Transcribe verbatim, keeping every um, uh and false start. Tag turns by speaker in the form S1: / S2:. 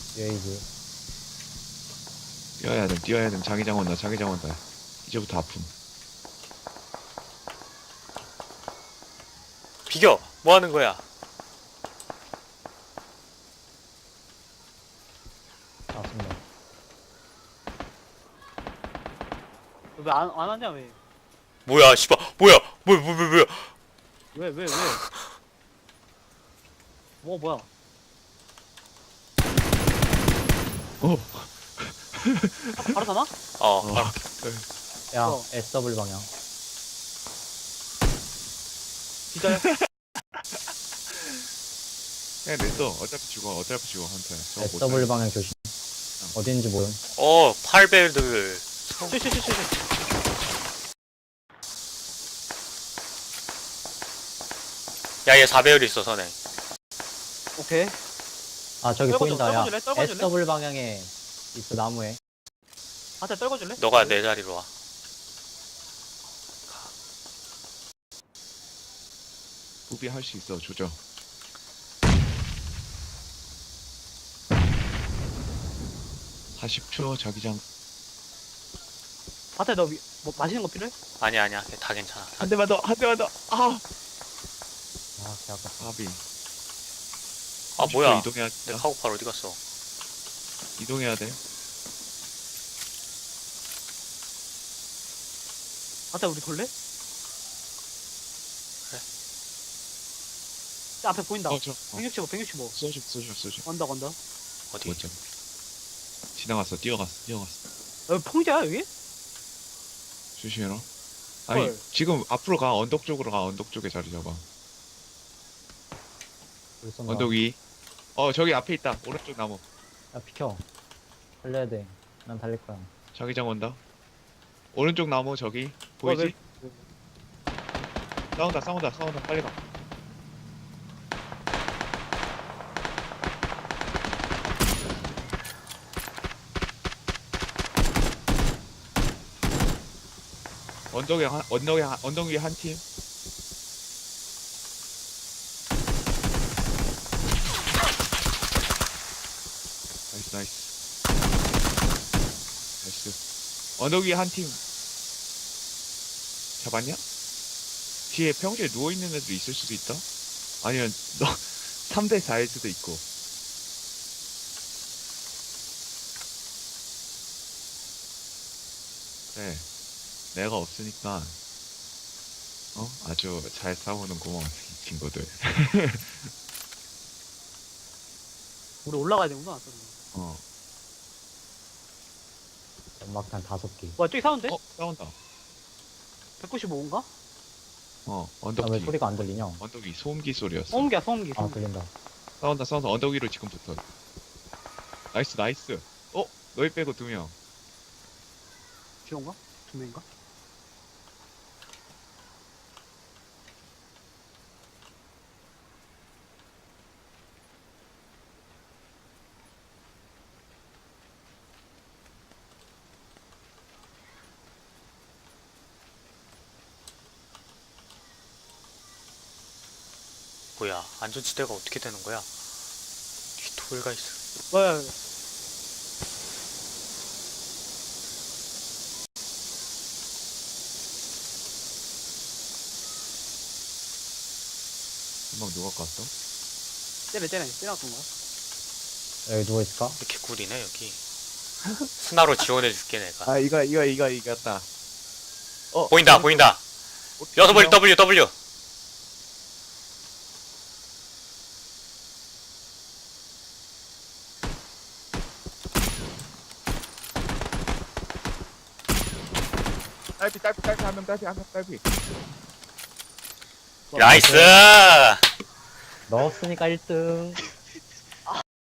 S1: 레이즈.
S2: 뛰어야 돼, 뛰어야 돼. 자기장 온다, 자기장 온다. 이제부터 아픔.
S3: 비겨! 뭐 하는 거야?
S1: 맞습니다.
S4: 왜 안 안 하냐 왜?
S3: 뭐야, 씨발. 뭐야? 뭐야, 뭐야, 뭐야, 뭐야.
S4: 왜 왜 왜? 뭐 뭐야?
S2: 어,
S4: 아, 바로 사나?
S3: 어,
S2: 어.
S3: 바로.
S1: 야,
S4: 어.
S1: 에스더블 방향.
S4: 기자야?
S2: 그냥 냈어. 어차피 죽어, 어차피 죽어, 한테. 저거 못
S1: 에스더블
S2: 살려.
S1: 방향 조심. 어딘지 모름.
S3: 어, 팔벨들.
S4: 슈슈슈슈.
S3: 야, 얘 사 배율 있어, 선에.
S4: 오케이.
S1: 아, 저기
S4: 떨궈줘,
S1: 보인다. 야,
S4: 떨궈줄래? 떨궈줄래?
S1: 에스더블 방향에 있어, 나무에.
S4: 한테 떨궈줄래?
S3: 너가 내 자리로 와.
S2: 부비 할 수 있어, 조져. 사십 초 자기장.
S4: 한테 너 위- 뭐 맛있는 거 필요해?
S3: 아니야, 아니야. 다 괜찮아.
S2: 한 대만 더, 한 대만 더. 아,
S1: 아, 개 아깝다.
S2: 바비.
S3: 아, 뭐야.
S2: 이동해야
S3: 내
S2: 돼.
S3: 카고팔 어디 갔어?
S2: 이동해야 돼.
S4: 한테 우리 돌래?
S3: 그래.
S4: 저 앞에 보인다.
S2: 어, 저, 어.
S4: 백육십오, 백육십오.
S2: 쏘죠, 쏘죠, 쏘죠.
S4: 언덕 언덕.
S3: 어디?
S2: 못 잡. 지나갔어, 뛰어갔어, 뛰어갔어.
S4: 여기 풍자야 여기?
S2: 조심해라. 아니,
S4: 헐.
S2: 지금 앞으로 가, 언덕 쪽으로 가, 언덕 쪽에 자리 잡아.
S1: 우리 쏜다.
S2: 언덕 위. 어, 저기 앞에 있다. 오른쪽 나무.
S1: 야, 비켜. 살려야 돼. 난 달릴 거야.
S2: 자기장 온다. 오른쪽 나무 저기 보이지?
S4: 어, 왜-
S2: 싸운다, 싸운다, 싸운다. 빨리 가. 언덕에 한, 언덕에 한, 언덕 위에 한 팀. 나이스, 나이스. 나이스. 언덕 위에 한 팀. 잡았냐? 뒤에 평지에 누워있는 애도 있을 수도 있다? 아니면 너 삼 대 사일 수도 있고. 그래, 내가 없으니까 어? 아주 잘 싸우는구먼 이 친구들.
S4: 우리 올라가야 되구나.
S2: 어,
S1: 연막탄 다섯 개.
S4: 와 저기 사운데?
S2: 어? 싸운다.
S4: 백구십오인가?
S2: 어,
S1: 아,
S2: 언덕
S1: 왜
S2: 뒤.
S1: 소리가 안 들리냐?
S2: 언덕 위 소음기 소리였어.
S4: 소음기야 소음기.
S1: 아,
S4: 소음기.
S1: 들린다.
S2: 싸운다, 싸운다. 언덕 위로 지금 붙어. 나이스, 나이스. 어? 너희 빼고 두 명.
S4: 듀오인가? 두 명인가?
S3: 뭐야. 안전지대가 어떻게 되는 거야? 뒤 돌가 있어.
S4: 뭐야?
S2: 금방 누가 갔어?
S4: 쟤네 쟤네 쟤네였던 거야?
S1: 여기 누워있을까?
S3: 이렇게 꿀이네, 여기. 스나로 지원해줄게, 내가.
S2: 아, 이거, 이거, 이거, 이겼다. 어,
S3: 보인다, 보인다. 여섯 번 W, W.
S2: 딸피, 딸피, 딸피, 한 명, 딸피, 한 명, 딸피.
S3: 나이스!
S1: 넣었으니까 일 등.